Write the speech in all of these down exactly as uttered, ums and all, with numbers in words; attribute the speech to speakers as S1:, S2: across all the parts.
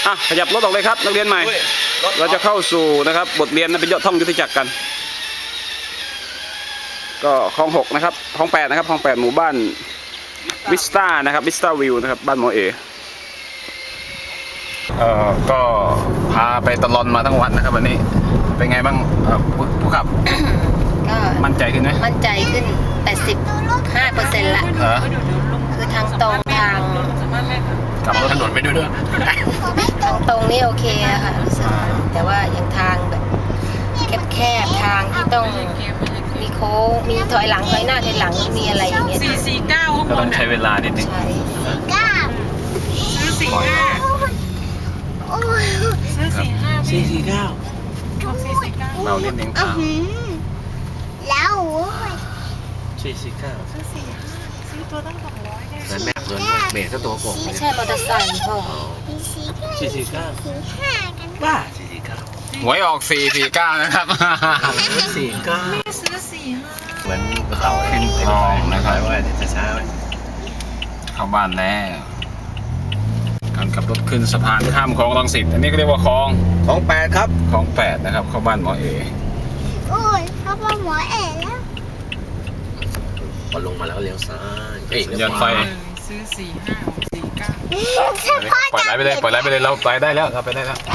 S1: อ่ะขยับรถออกเลยครับนักเรียนใหม่เราจะเข้าสู่นะครับบทเรียนนะเป็นยอดท่องยุทธจักรกันก็คลองหกนะครับคลองแปดนะครับคลองแปดหมู่บ้านวิสตานะครับวิสตาวิวนะครับบ้านหมอเอเอ่อก็พาไปตลอดมาทั้งวันนะครับวันนี้เป็นไงบ้างผู้ขับ
S2: ก็
S1: มั่นใจขึ้นไหม
S2: มั่นใจขึ้น แปดสิบห้าเปอร์เซ็นต์ ละคือทางตรงทาง
S1: กลับรถถนนไปด้วยด้วย
S2: ทางตรงนี่โอเคอะค่ะรู้สึกแต่ว่าอย่างทางแบบแคบๆทางที่ต้องมีโค้งมีถอยหลังถอยหน้าถอยหลังมีอะไรอย่างเงี้ย
S3: สี่สี่เก้า
S1: ก็ต้องใช้เวลานิดนึง
S2: ใช่
S3: เก้าซื้อสี่ห้าซื้อสี่ห้า
S4: สี่สี่เก้า
S3: สี่สี่เก้า
S1: เราเล่นเองทาง
S5: แล้ว
S4: สี่สี่เก้า
S3: ซื้อสี่ห้าซื้อตัวตั้งสองร้อยเนี่ย
S4: นั่นแม่เงินเบรกก็ตัวโกง
S2: ไม่ใช่มอเตอร์ไซค์พ่อ
S4: สี่สี่เก้าบ้าสี่สี่เก้า
S1: หวยออกสี่สี่เก้านะครับ
S4: สี่เก้า
S3: ไม่ซื้อสี่ห้า
S4: เหมือนเขาขึ้นคลองนะครับว่าจะช้าไหม
S1: เข้าบ้านแล้วการขับรถขึ้นสะพานข้ามคลองรังสิตอันนี้ก็เรียกว่าคลอง
S4: คลองแปดครับ
S1: คลองแปดนะครับเข้าบ้านหมอเอ
S5: โอ้ยเข้าบ้านหมอเอแล้ว
S4: พอลงมาแล้วเลี้ยวซ้ายเอ้ย
S1: สัญญาณไฟ
S3: ซื้อสี่ห้าสี่เก้า
S1: ปล่อยไหลไปเลยปล่อยไหลไปเลยเราไปได้แล้วเราไปได้แล้ว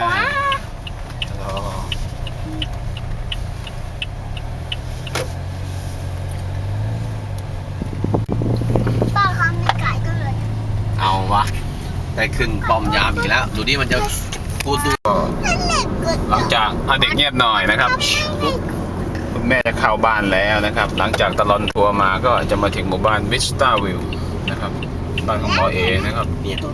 S5: ป้าทำไม่ไก่ก็เลย
S4: เอาวะได้ขึ้นป้อมยามอีกแล้วดูดิมันจะพูดดู
S1: หลังจากเด็กเงียบหน่อยนะครับคุณแม่จะเข้าบ้านแล้วนะครับหลังจากตลอดทัวร์มาก็จะมาถึงหมู่บ้านวิสตาวิวนะครับบ้านของหมอเอนะครับ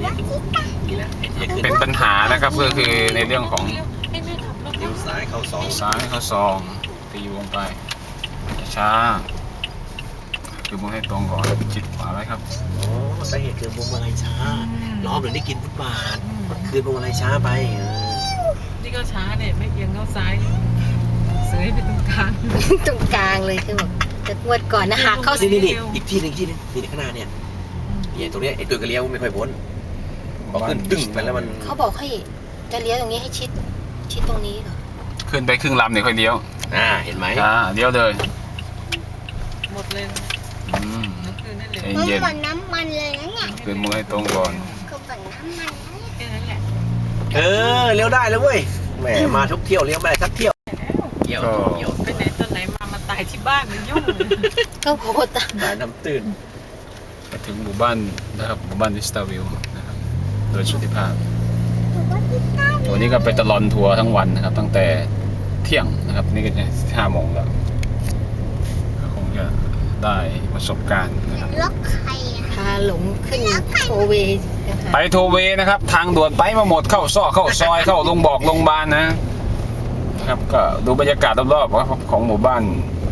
S1: เป็นปัญหานะครับก็คือในเรื่องของ
S4: เลี้ยวซ้ายเข้าซอง
S1: ซ้ายเข้าซองตีวงไปช้าคือมุ่งให้ตรงก่อนจิตขวาไว้ครับ
S4: โอ้สาเหตุคือมุมอะไรช้าล้อมหรือได้กินฟุตบาทคือมุมอะไรช้าไป
S3: นี่ก็ช้าเนี่ยไม่เอียงเข้าซ้ายเสยไปตรงกลาง
S2: ตรงกลางเลยคือแบบจะงวดก่อนนะหักเข้า
S4: นี่นี่อีกที่หนึ่งที่นึงนี่ข้างหน้าเนี่ยเนี่ยตรงนี้ไอ้ตัวกระเลี้ยวไม่ค่อยพ้นพอขึ้นตึ้งไปแล้วมัน
S2: เขาบอกให้จะเลี้ยวตรงนี้ให้ชิดชิดตรงนี้เหรอ
S1: ขึ้นไปครึ่งลำเนี่ยค่อยเลี้ยว
S4: อ่าเห็นไหม
S1: อ่าเลี้ยวเลย
S3: หมดเลย
S1: อืม
S5: เย็นเหมือนน้ำมันเลยนะเนี่ย
S1: คือมือให้ตรงก่อน
S5: ก็เหมือนน้ำมัน
S3: แค่นั้นแหละ
S4: เออเลี้ยวได้แล้วเว้ยแหมมาทุกเที่ยวเลี้ยวไม่ได้สักเที่ยวเที่ยวเที่ยว
S3: ไปไหนตอนไหนมามาตายที่บ้านมันยุ่ง
S2: ก็โคตร
S4: ตายน้ำตื่น
S1: มาถึงหมู่บ้านนะครับหมู่บ้านวิสตาวิวนะครับโดยสุติภาพวันนี้ก็ไปตลอดทัวร์ทั้งวันนะครับตั้งแต่เที่ยงนะครับนี่ก็จะห้าโมงแล้วคงจะได้ประสบการณ์นะครับ
S5: ล็อกใคร
S2: พาหลงขึ้นโทเว
S1: ไปโทเวนะครับทางด่วนไปมาหมดเข้าซอกเข้าซอยเข้าลงบอกลงบานนะครับก็ดูบรรยากาศรอบๆของหมู่บ้าน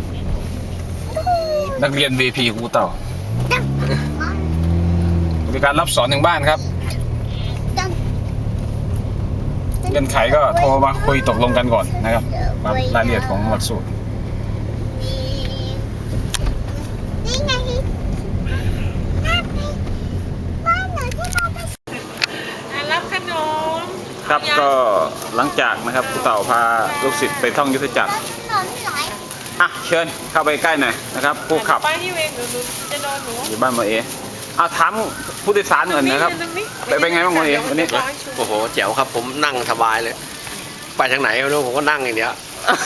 S1: นักเรียน วี พี ครูเต่าบริการรับสอนถึงบ้านครับเงื่อนไขก็โทรมาคุยตกลงกันก่อนนะครับรายละเอียดของหลักสูตร
S3: รับขนม
S1: ครับก็หลังจากนะครับครูเต่าพาลูกศิษย์ไปท่องยุทธจักรอ่ะเชิญเข้าไปใกล้หน่อยนะครับผู้ขับ
S3: ไปที่เวรหนูจะนอนหนู
S1: อยู่บ้านหมอเอเอาถามผู้โดยสารหน่อยนะครับไปเป็นไงบ้างหมอเอวันนี้
S4: โอ้โหแจ๋วครับผมนั่งสบายเลยไปทางไหนไม่รู้ผมก็นั่งอย่างเดียว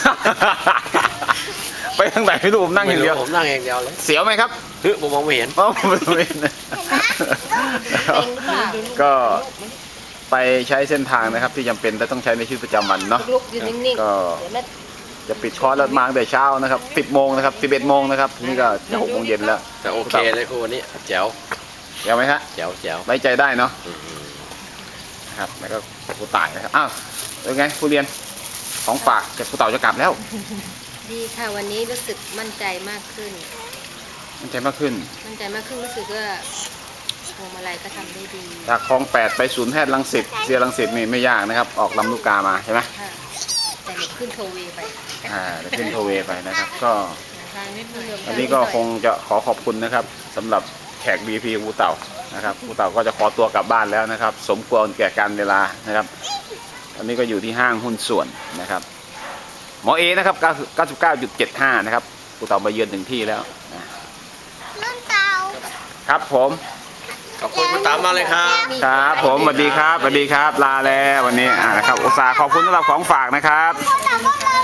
S1: ไปทางไหนไม่รู้ผมนั่งอย่างเดียว
S4: ผมนั่งอย่างเดียวเลย
S1: เสียวไหมครับ
S4: เฮ้ยผมมองไม่เห็น
S1: อ๋อผมไม่เห็นก็ไปใช้เส้นทางนะครับที่จำเป็นและต้องใช้ในชีวิตประจำวันเนาะก็จะปิดคอร์สแล้วมาตั้งแต่เช้านะครับสิบโมงนะครับสิบเอ็ดโมงนะครับนี่ก็จะหกโมงเย็นแล้ว
S4: แต่โอเคเลยครูวันนี้แจ๋ว
S1: แจ๋วไหมฮะ
S4: แจ๋วแจ๋ว
S1: ไว้ใจได้เนาะครับแล้วก็ครูต่ายนะครับอ้าวเป็นไงผู้เรียนของฝากจากครูเต่าจะกลับแล้ว
S2: ดีค่ะวันนี้รู้สึกมั่นใจมากขึ้น
S1: มั่นใจมากขึ้น
S2: มั่นใจมากขึ้นรู้สึกว่าพวงมาลัยก็ทำได้ดี
S1: จากคลองแปดไปศูนย์แพทย์รังสิตเสียรังสิตนี่ไม่ยากนะครับออกลำลูกกามาใช่ไหม
S2: แต่เดี๋ยวขึ้นโทเวไป
S1: อ่าเดี๋ยวขึ้นโทเวไปนะครับก็อันนี้ก็คงจะขอขอบคุณนะครับสำหรับแขก บี พี ครูเต่านะครับครูเต่าก็จะขอตัวกลับบ้านแล้วนะครับ สมควรแก่การเวลานะครับตอนนี้ก็อยู่ที่ห้างหุ้นส่วนนะครับหมอเอนะครับ เก้าสิบเก้าจุดเจ็ดห้า นะครับครูเต่ามาเยือนถึงที่แล้วนะ
S5: นุ่นเตา
S1: ครับผม
S4: ขอบคุณคุณตามมากเลยครับ
S1: ครับผมสวัสดีครับสวัสดีครับลาแล้ววันนี้อ่านะครับอุตส่าห์ขอบคุณสำหรับของฝากนะครับ
S5: พ่อตาพ่อมา